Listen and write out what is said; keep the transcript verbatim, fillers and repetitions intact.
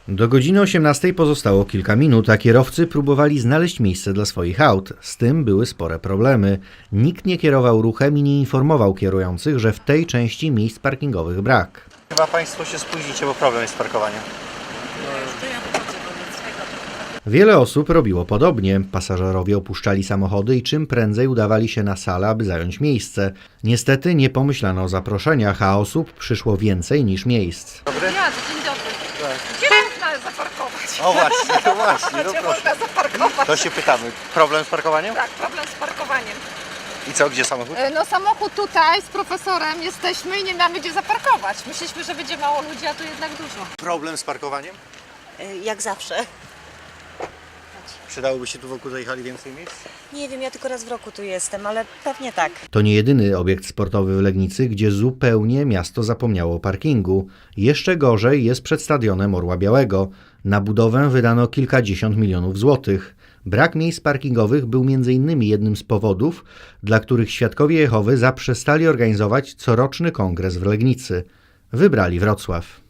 Do godziny osiemnastej pozostało kilka minut, a kierowcy próbowali znaleźć miejsce dla swoich aut. Z tym były spore problemy. Nikt nie kierował ruchem i nie informował kierujących, że w tej części miejsc parkingowych brak. Chyba Państwo się spóźnicie, bo problem jest z parkowaniem. Wiele osób robiło podobnie. Pasażerowie opuszczali samochody i czym prędzej udawali się na salę, aby zająć miejsce. Niestety nie pomyślano o zaproszeniach, a osób przyszło więcej niż miejsc. Dobry? Ja, dzień dobry. Gdzie można zaparkować? O właśnie, to właśnie, no Gdzie proszę. można zaparkować? To się pytamy. Problem z parkowaniem? Tak, problem z parkowaniem. I co, gdzie samochód? E, No samochód tutaj z profesorem jesteśmy i nie mamy gdzie zaparkować. Myśleliśmy, że będzie mało ludzi, a tu jednak dużo. Problem z parkowaniem? Jak zawsze. Przydałoby się tu wokół tej hali więcej miejsc? Nie wiem, ja tylko raz w roku tu jestem, ale pewnie tak. To nie jedyny obiekt sportowy w Legnicy, gdzie zupełnie miasto zapomniało o parkingu. Jeszcze gorzej jest przed stadionem Orła Białego. Na budowę wydano kilkadziesiąt milionów złotych. Brak miejsc parkingowych był między innymi jednym z powodów, dla których Świadkowie Jehowy zaprzestali organizować coroczny kongres w Legnicy. Wybrali Wrocław.